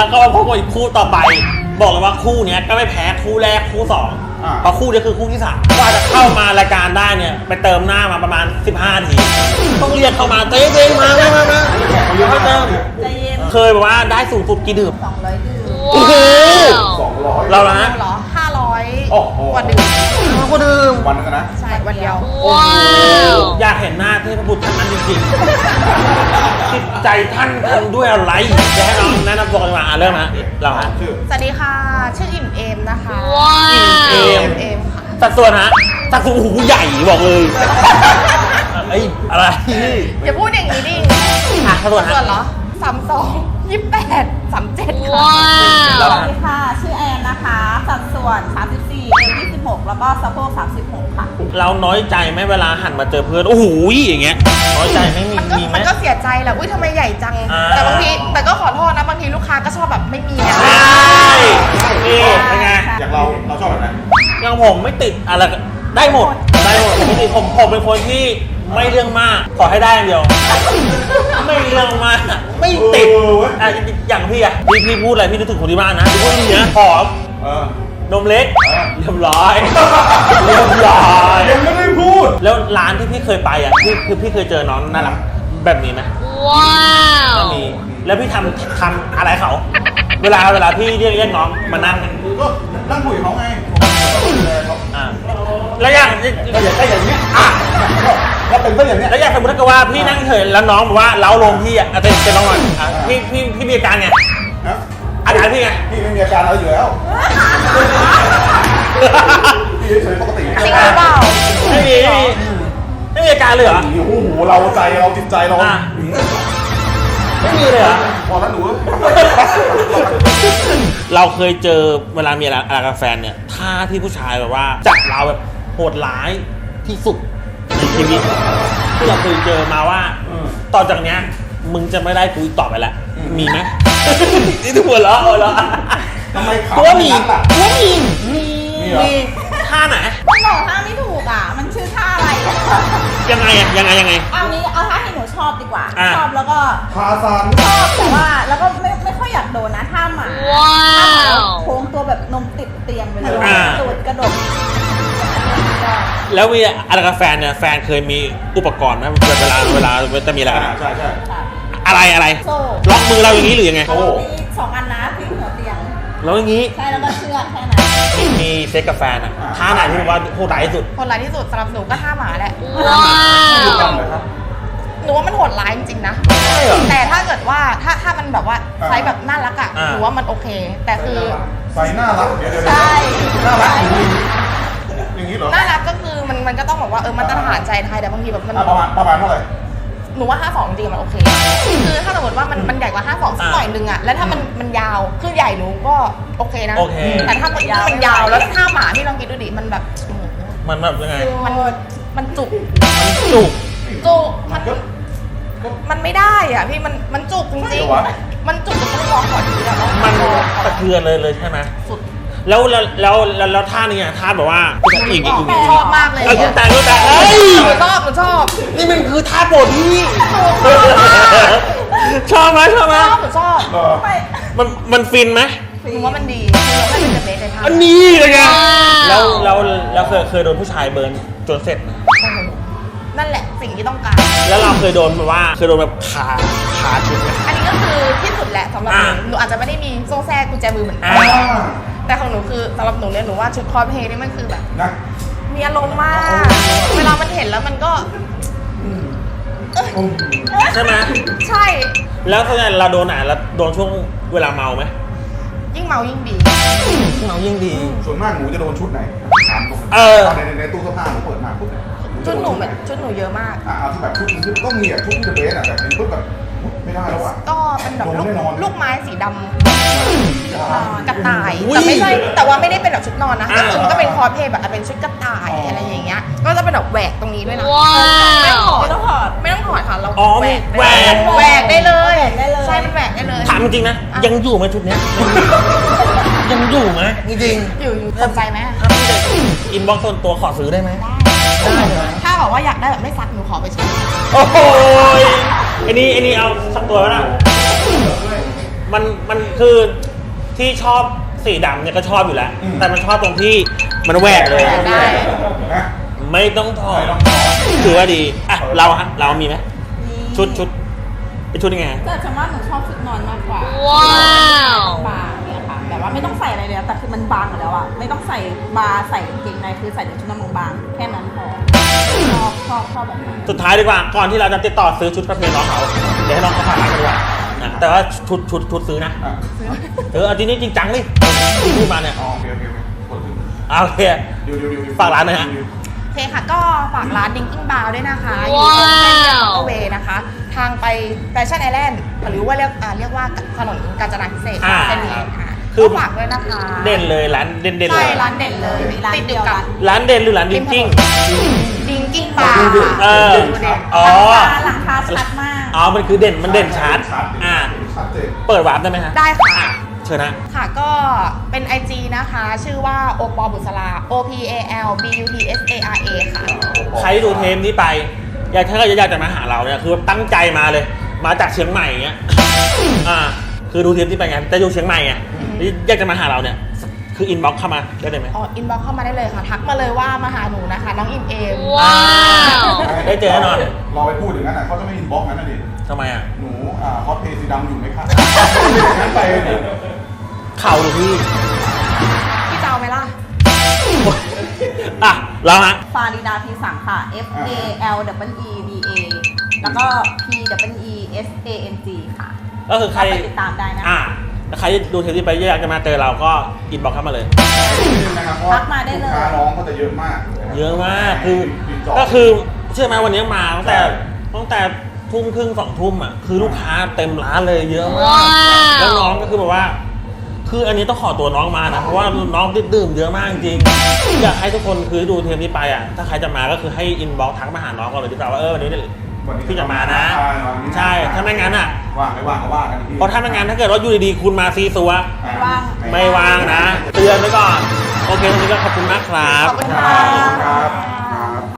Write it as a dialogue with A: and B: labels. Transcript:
A: แล้วก็มาพบกับอีกคู่ต่อไปบอกเลยว่าคู่นี้ก็ไม่แพ้คู่แรกคู่สองเพราะคู่นี้คือคู่ที่3กว่าจะเข้ามารายการได้เนี่ยไปเติมหน้ามาประมาณ15 ทีต้องเรียกเข้ามาเต้เต้มาเขาเติมเคยแบบว่าได้สูงสุดกี่ดื่ม
B: 200 ดื่ม
A: โอ้โห
C: 200
A: เราละฮะ
B: เหรอ500กว่าดื่ม
C: วันนึงนะ
B: ใช่วันเดียว
A: อยากเห็นหน้าเทพบุตรท่านนั้นจริงๆจิตใจท่านทำด้วยอะไรจะให้น้องแนะนำตัวกันมาเริ่มฮะเราฮะ
B: สวัสดีค่ะชื่ออิ่มเอมนะคะ
A: อิ่มเอมค่ะสัดส่วนฮะสัดส่วนหูใหญ่บอกเลยไอ้อะไร
B: อย่าพูดอย่างนี้ดิ
A: สัดส่วน
B: เหรอ32 28 37ค่ะสวัสดีค่ะชื่อแอนนะคะสัดส่วน34เอว26แล้วก็สะโพก36ค่ะ
A: เราน้อยใจไหมเวลาหันมาเจอเพื่อนโอ้โหอย่างเงี้ยน้อยใจไหมมีไหม
B: มันก็เสียใจแหละอุ้ยทำไมใหญ่จังแต่บางทีแต่ก็ขอโทษนะบางทีลูกค้าก็ชอบแบบไม่มีนะ
A: นี่เป็นไง
C: อย่างเราชอบแบบไหน
A: อย่างผมไม่ติดอะไรได้หมดไม่ติดผมเป็นคนที่ไม่เรื่องมากขอให้ได้อย่างเดียวไม่เรื่องมากไม่ติดอย่างพี่อะพี่พูดอะไรพี่นึกถึงคนที่บ้านนะพี่พูดอย่างเงี้ยผอมนมเล็กเรียบร้อย
C: ยังไม่ได้พูด
A: แล้วร้านที่พี่เคยไปอ่ะพี่เคยเจอน้องน่ารักแบบนี้ไหมว้าวไม่มีแล้วพี่ทำอะไรเขาเวลาพี่เรียกน้องมานั่ง
C: ก็นั่งคุยกับเขาไง
A: แล้วอย่างนี้
C: ก็เป็นอย่างนี้
A: แล้วอย่างสมมติว่าพี่นั่งเฉยแล้วน้องบอกว่าเล้าลงพี่อ่ะเป็นน้องหน่อยพี่มีอาการไงอาการพี่ไง
C: พี่ไม่มีอาการอะไรอยู่แล้วพี่เฉยปกติ
B: จริงหรือเปล่า
A: ไม่มีอาการเลยเหรอ
C: โอ้โหเราใจเราจิตใจเรา
A: ไม่มีเลยเหรอ
C: พอแล้วหนู
A: เราเคยเจอเวลามีอะไรกับแฟนเนี่ยท่าที่ผู้ชายแบบว่าจับเราแบบโหดร้ายที่สุดในชีวิตที่เราเคยเจอมาว่าต่อจากเนี้ยมึงจะไม่ได้กูอีกต่อไปแล้วมีไหมนี่ทุกคนแล้ว
C: ทำไมขับ
A: มีท่าไหน
B: มันบอกท่าไม่ถูกอ่ะมันชื่อท่าอะไร
A: ยังไง
B: เอาท่าที่หนูชอบดีกว่าชอบแล้วก็
C: พาซาน
B: ชอบแต่ว่าแล้วก็ไม่ค่อยอยากโดนนะท่าหมาโค้งตัวแบบนมติดเตียงไปเลยตูดกระดก
A: แล้วมีอะไรกับแฟนเนี่ยแฟนเคยมีอุปกรณ์ไหมเวลาจะมีอะไรกัน
C: ใช่
A: อะไรล็อกมือเราอย่างนี้หรือยังไง
B: โอ้2 อันนะที่หัวเตียง
A: แล้วอย่างนี้
B: ใช่แล้วก็เชือกแค่นั้น
A: มีเซ็กกับแฟนอ่ะท่าไหนที่ว่าโหดร้ายที่สุด
B: สำหรับหนูก็ท่าหมาแหละหนูว่ามันโหดร้ายจริงๆนะแต่ถ้าเกิดว่าถ้ามันแบบว่าไซส์แบบน่ารักอ่ะหนูว่ามันโอเคแต่คือ
C: ไซส์น่ารัก
B: ใช่
C: น่ารักอย่างนี้เหรอ
B: น่ารักก็คือมันก็ต้องบอกว่ามาตรฐานใจไทยแต่บางทีแบบมัน
C: ประมาณเท่าไหร่
B: หนูว่า52จริงมันโอเคคือถ้าสมมติว่ามันใหญ่กว่า52สักหน่อยนึงอ่ะแล้วถ้ามันยาวคือใหญ่หนูก็โอเคนะแต่ถ้ามันยาวแล้วถ้าหมาที่ลองคิดดูดิมันแบบ
A: มันแบบยังไง
B: มันจุกมันไม่ได้อ่ะพี่มันจุกจริงๆมันจุกจนต้องร้องขอทีแล้ว
A: มันตะเทือนเลยใช่ไหมสุดแล้วท่านี้อ่ะท่าแบบว่าอีก
B: ชอบมากเลย
A: แต่
B: ชอบ
A: นี่มันคือท่าโปรดพี่ชอบไหม
B: ชอบ
A: มันฟินไหม
B: หนูว่ามันดีเราให้เป็นเบสในท่า
A: อันนี้เลยไงแล้วเคยโดนผู้ชายเบิร์นจนเสร็จ
B: นั่นแหละสิ่งที่ต้องการ
A: แล้วเราเคยโดนแบบขาชุดไหม
B: อันนี้ก็คือที่สุดแหละสำหรับหนูอาจจะไม่ได้มีโซ่แทรกกุญแจมือเหมือนกันแต่ของหนูคือสำหรับหนูเนี่ยหนูว่าชุดคอสเพลย์นี่มันคือแบบมีอารมณ์มากเวลามันเห็นแล้วมันก็
A: ใช่ไหม
B: ใช่
A: แล้วส่วนใหญ่เราโดนเราโดนช่วงเวลาเมาไหม
B: ยิ่งเมายิ่งดี
C: ส่วนมากหนูจะโดนชุดไหนในตู้เสื้อผ้าหนูเปิดมาปุ๊บ
B: ชุดหนูเยอะมาก
C: เอาที่แบบชุดก็มีชุดที่เบสแต่เป็นชุดแบบไม่ได้แล้ว
B: ก็เป็นแบบลูกไม้สีดำกระต่ายแต่ไม่ใช่แต่ว่าไม่ได้เป็นแบบชุดนอนนะก็คือมันก็เป็นคอสเพลย์แบบเป็นชุดกระต่ายอะไรอย่างเงี้ยก็จะเป็นแบบแหวกตรงนี้ด้วยนะไม่ต้องถอดค่ะเราแหวกได้เลยใช่มันแหวกได้เลย
A: ถามจริงนะยังอยู่ไหมชุดเนี้ยยังอยู่ไหมจริง
B: อยู่สนใจไหม
A: อินบ็อกซ์ส่วนตัวขอซื้อได้ไหม
B: ถ้าบอกว่าอยากได้แบบไม่ซักหนูขอไปใช้
A: โอ้โหอันนี้เอาสักตัวแล้วนะมันคือที่ชอบสีดำเนี่ยก็ชอบอยู่แล้ว แต่มันชอบตรงที่มันแหวกเลย
B: ได้
C: นะ
A: ไม่ต้องถอด
C: ไม่ต้องถอด
A: ถือว่าดีอ่ะเรามีไหมชุดเป็นชุดยังไง
D: แต่ฉันว่าหนูชอบชุดนอนมากกว่า
E: ว้าว
D: บางเนี่ยค่ะแบบว่าไม่ต้องใส่อะไรเลยแต่คือมันบางอยู่แล้วอะไม่ต้องใส่บาร์ใส่กางเกงในคือใส่แต่ชุดนอนบางๆแค่นั้นพอชอบแบบนั้น
A: สุดท้ายดีกว่าก่อนที่เราจะติดต่อซื้อชุดประเพณีน้องเขาเดี๋ยวให้น้องเขาผ่านร้านกันดีกว่านะแต่ว่าชุดซื้อนะ
C: อ่ะ
A: เอาจริงจริงจังดิพูดมาเนี่ย
C: อ๋อโอเคกดขึ้น
A: โอเค
C: เดี๋ยว
A: ฝากร้านหน่อยฮะ
B: โอเคค่ะ ก็ฝากร้าน Dinking Bar ด้วยนะคะอยู่
E: ว้าว
B: ตรงเส้นเรียบเวนะคะ ทางไปแฟชั่นไอแลนด์หรือว่าเรียกว่าถนนกาญจนาพิเศษก
A: อ่า
B: เส้นนี้ค่ะ
A: คือ
B: ก็ฝากด้วยนะคะ
A: เด่นเลยร้านเด่นเล
B: ใช่
A: ย
B: ร้านเด่นเลยติดอยู่กับ
A: ร้านเด่นหรือร้านดิงกิ้ง
B: Dinking Bar
A: เออ อ๋อ
D: หลังคาชัดมาก
A: อ๋อมันคือเด่นชัดอ่า
C: ชัดเจน
A: เปิดวาร์ปได้ไหมฮะ
B: ได้ค่ะ
A: เชิญนะ
B: ค่ะก็เป็น IG นะคะ ชื่อว่าโอปอบุษรา OPALBUTSARA ค่ะ
A: ใครดูเทปนี้ไปถ้าอยากจะมาหาเราเนี่ยคือตั้งใจมาเลย มาจากเชียงใหม่เงี้ยคือดูเทปที่ไปไงจะอยู่เชียงใหม่ไงอยากจะมาหาเราเนี่ยคืออินบ็อกเข้ามาได้เลยไหม
B: อ๋อ อินบ็อกเข้ามาได้เลยค่ะ ทักมาเลยว่ามาหาหนูนะคะ น้องอิมเอม
E: ว้าว
A: ได้เจอแน่นอน
C: เราไปพูดอย่างนั้นเขาจะไม่อินบ็อกซ์งั้นนะดิ
A: ทำไมอ่ะ
C: หนูคอสเพลย์สีดำอยู่ไหมครับงั้นไปดิ
A: เข่าหรือพี่
B: พี่เจ้าไหมล่ะ
A: อ่ะแล้วฮะ
D: ฟาริดาพีสังค่ะ FALWEDA แล้วก็ PWESANG ค่ะ
A: ก็คือใคร
D: ไปติดตามได้นะ
A: แล้วใครดูเทปนี้ไปอยากจะมาเจอเราก็อินบ็อกเข้ามาเลย
C: นะครับเพราะว่า
D: ทักมาได้เลย
C: ลูกค้าน้องก็จะเยอะมาก
A: เยอะมากคือ
C: ติดต่
A: ก็คือเชื่อไหมวันนี้มาตั้งแต่
C: ใช่
A: ทุ่มครึ่ง2 ทุ่มอ่ะคือลูกค้าเต็มร้านเลยเยอะมาก
E: ว้าว
A: แล้วน้องก็คือแบบว่า คืออันนี้ต้องขอตัวน้องมานะเพราะว่าน้องดื่มเยอะมากจริงอยากให้ทุกคนคือดูเทปนี้ไปอ่ะถ้าใครจะมาก็คือให้อินบ็อกทักมาหาน้องก่อนเลยดีกว่าว่าวันนี้พี่จะมานะ ใช่ถ้าไม่งั้นอ่ะ
C: ว่างไม่ว่างก็ว่ากันอีกที
A: เพราะถ้าไม่งั้นถ้าเกิดว่าอยู่ดีๆคุณมาซีซัว
D: ว่าง
A: ไม่ว่างนะ เตือนไว้ก่อน โอเควันนี้ก็ขอบคุณมากครับ
B: ขอบคุณ
C: ค
B: ค่ะ
C: รับ